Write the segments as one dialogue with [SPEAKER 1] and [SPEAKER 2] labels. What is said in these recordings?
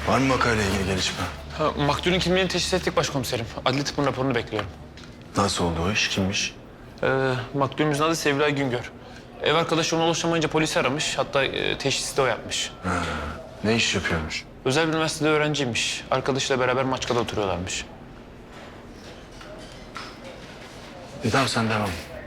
[SPEAKER 1] Var mı vakayla ilgili gelişme?
[SPEAKER 2] Maktulün kimliğini teşhis ettik başkomiserim. Adli tıbbın raporunu bekliyorum.
[SPEAKER 1] Nasıl oldu o iş? Kimmiş?
[SPEAKER 2] Maktulümüzün adı Sevilay Güngör. Ev arkadaşı ona ulaşamayınca polisi aramış. Hatta teşhisi de o yapmış.
[SPEAKER 1] Ne iş yapıyormuş?
[SPEAKER 2] Özel bir üniversitede öğrenciymiş. Arkadaşıyla beraber Maçka'da oturuyorlarmış.
[SPEAKER 1] Tamam sen devam.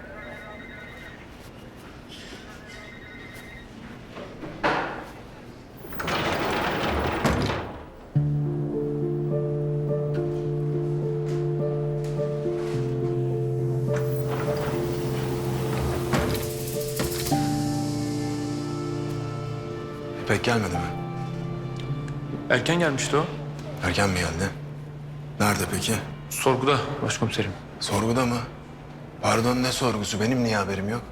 [SPEAKER 1] İpek gelmedi mi?
[SPEAKER 2] Erken gelmişti o.
[SPEAKER 1] Erken mi geldi? Nerede peki?
[SPEAKER 2] Sorguda başkomiserim.
[SPEAKER 1] Sorguda mı? Pardon, ne sorgusu? Benim niye haberim yok?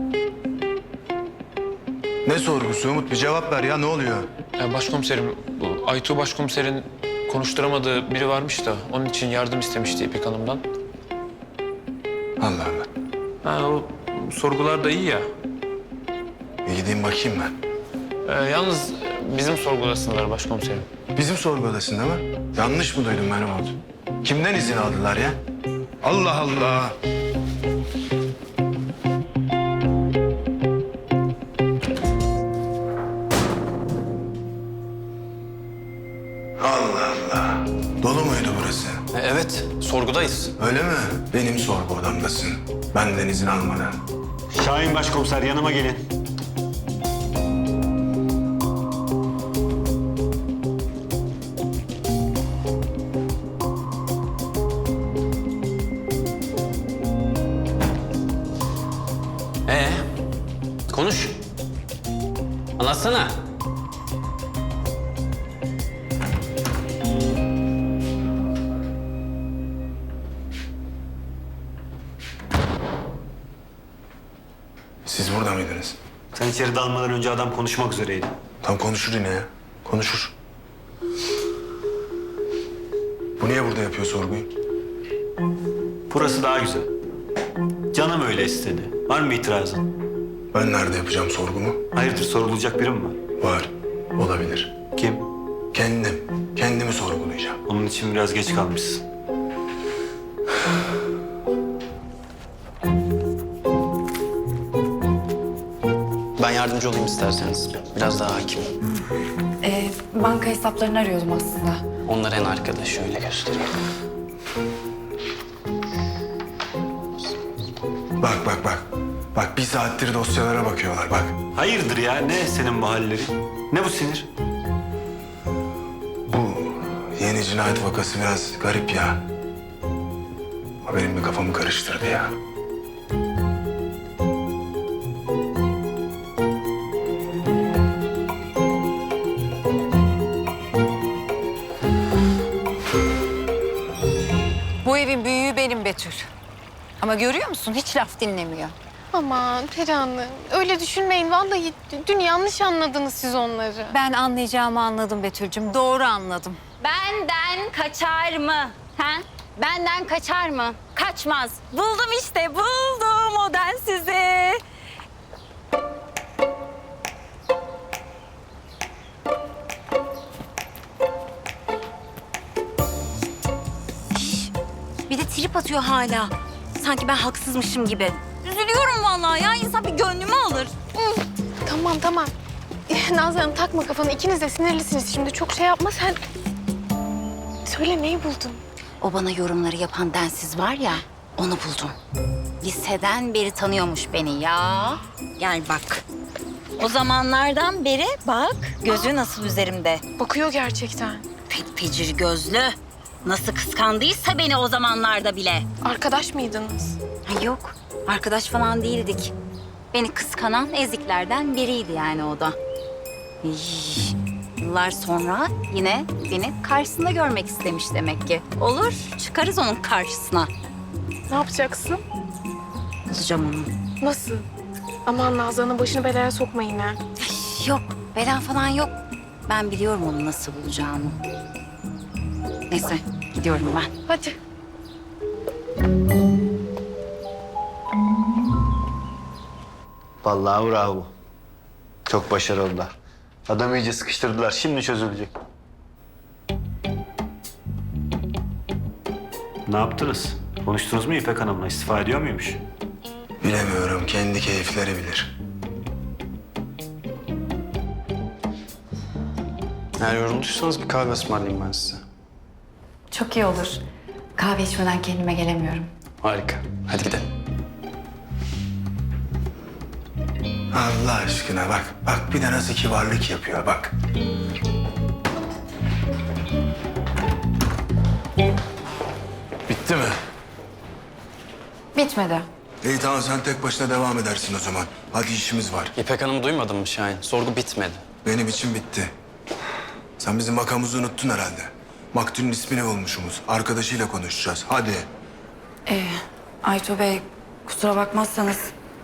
[SPEAKER 1] Ne sorgusu Umut? Bir cevap ver ya, ne oluyor?
[SPEAKER 2] Başkomiserim, bu Aytuğ başkomiserin konuşturamadığı biri varmış da onun için yardım istemişti İpek Hanım'dan.
[SPEAKER 1] Allah Allah.
[SPEAKER 2] O sorgular da iyi ya.
[SPEAKER 1] Bir gideyim bakayım ben.
[SPEAKER 2] Yalnız bizim sorgudasınlar başkomiserim.
[SPEAKER 1] Bizim sorgu odasında mı? Yanlış mı duydum ben Umut? Kimden izin aldılar ya? Allah Allah! Allah Allah! Dolu muydu burası?
[SPEAKER 2] Evet, sorgudayız.
[SPEAKER 1] Öyle mi? Benim sorgu odamdasın. Benden izin almadan.
[SPEAKER 3] Şahin Başkomiser yanıma gelin.
[SPEAKER 4] Konuş. Anlatsana.
[SPEAKER 1] Siz burada mıydınız?
[SPEAKER 3] Sen içeri dalmadan önce adam konuşmak üzereydi.
[SPEAKER 1] Tam konuşur yine ya. Konuşur. Bu niye burada yapıyor sorguyu?
[SPEAKER 3] Burası daha güzel. Canım öyle istedi. Var mı itirazın?
[SPEAKER 1] Ben nerede yapacağım sorgumu?
[SPEAKER 3] Hayırdır, sorulacak biri mi var?
[SPEAKER 1] Var. Olabilir.
[SPEAKER 3] Kim?
[SPEAKER 1] Kendim. Kendimi sorgulayacağım.
[SPEAKER 3] Onun için biraz geç kalmışsın.
[SPEAKER 4] Ben yardımcı olayım isterseniz. Biraz daha hakim.
[SPEAKER 5] Banka hesaplarını arıyordum aslında.
[SPEAKER 4] Onlar en arkada. Şöyle göstereyim.
[SPEAKER 1] Bak bak bak. Bak bir saattir dosyalara bakıyorlar bak.
[SPEAKER 3] Hayırdır ya? Ne senin bu halleri? Ne bu sinir?
[SPEAKER 1] Bu yeni cinayet vakası biraz garip ya. O benim bir kafamı karıştırdı ya.
[SPEAKER 5] Bu evin büyüğü benim Betül. Ama görüyor musun? Hiç laf dinlemiyor.
[SPEAKER 6] Aman Perihan, öyle düşünmeyin. Vallahi dün yanlış anladınız siz onları.
[SPEAKER 5] Ben anlayacağımı anladım Betül'cüm. Doğru anladım.
[SPEAKER 7] Benden kaçar mı? Ha? Benden kaçar mı? Kaçmaz. Buldum işte, buldum o densizi. Bir de trip atıyor hala. Sanki ben haksızmışım gibi. Üzülüyorum vallahi ya. İnsan bir gönlümü alır.
[SPEAKER 6] Tamam tamam. Nazlı Hanım takma kafanı. İkiniz de sinirlisiniz şimdi. Çok şey yapma sen. Söyle neyi buldun?
[SPEAKER 7] O bana yorumları yapan densiz var ya, onu buldum. Liseden beri tanıyormuş beni ya. Gel bak. O zamanlardan beri bak, gözü nasıl üzerimde.
[SPEAKER 6] Bakıyor gerçekten.
[SPEAKER 7] Pecir gözlü. Nasıl kıskandıysa beni o zamanlarda bile.
[SPEAKER 6] Arkadaş mıydınız?
[SPEAKER 7] Ha, yok, arkadaş falan değildik. Beni kıskanan eziklerden biriydi yani o da. İy, yıllar sonra yine beni karşısında görmek istemiş demek ki. Olur, çıkarız onun karşısına.
[SPEAKER 6] Ne yapacaksın?
[SPEAKER 7] Bulacağım onu.
[SPEAKER 6] Nasıl? Aman Nazlı Hanım başını belaya sokmayın ha.
[SPEAKER 7] Yok, bela falan yok. Ben biliyorum onu nasıl bulacağımı. Neyse, gidiyorum ben.
[SPEAKER 6] Hadi.
[SPEAKER 3] Vallahi bravo. Çok başarılılar. Adamı iyice sıkıştırdılar. Şimdi çözülecek. Ne yaptınız? Konuştunuz mu İpek Hanım'la? İstifa ediyor muymuş?
[SPEAKER 1] Bilemiyorum. Kendi keyifleri bilir.
[SPEAKER 4] Eğer yorulduysanız bir kahve ısmarlayayım ben size.
[SPEAKER 8] Çok iyi olur. Kahve içmeden kendime gelemiyorum.
[SPEAKER 4] Harika. Hadi gidelim.
[SPEAKER 1] Allah aşkına bak. Bak bir de nasıl kibarlık yapıyor bak. Bitti mi?
[SPEAKER 8] Bitmedi.
[SPEAKER 1] İyi tamam sen tek başına devam edersin o zaman. Hadi işimiz var.
[SPEAKER 4] İpek Hanım'ı duymadın mı Şahin? Sorgu bitmedi.
[SPEAKER 1] Benim için bitti. Sen bizim makamımızı unuttun herhalde. Maktulün ismini bulmuşumuz. Arkadaşıyla konuşacağız. Hadi.
[SPEAKER 8] Aytu Bey, kusura bakmazsanız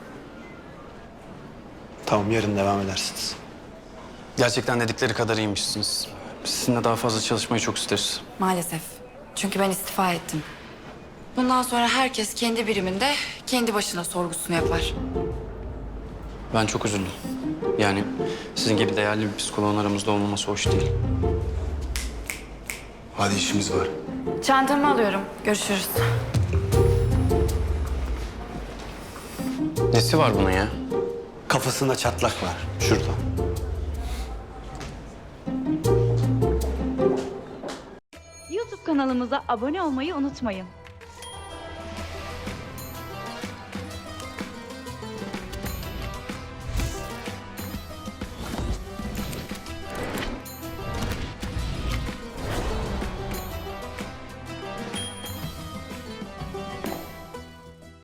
[SPEAKER 3] Tamam, yarın devam edersiniz.
[SPEAKER 4] Gerçekten dedikleri kadar iyiymişsiniz. Sizinle daha fazla çalışmayı çok isteriz.
[SPEAKER 8] maalesef. Çünkü ben istifa ettim. Bundan sonra herkes kendi biriminde kendi başına sorgusunu yapar.
[SPEAKER 4] Ben çok üzüldüm. Yani sizin gibi değerli bir psikoloğun aramızda olmaması hoş değil.
[SPEAKER 1] Hadi işimiz var.
[SPEAKER 8] Çantamı alıyorum. Görüşürüz.
[SPEAKER 4] Nesi var bunun ya?
[SPEAKER 3] Kafasında çatlak var. Şurada.
[SPEAKER 9] YouTube kanalımıza abone olmayı unutmayın.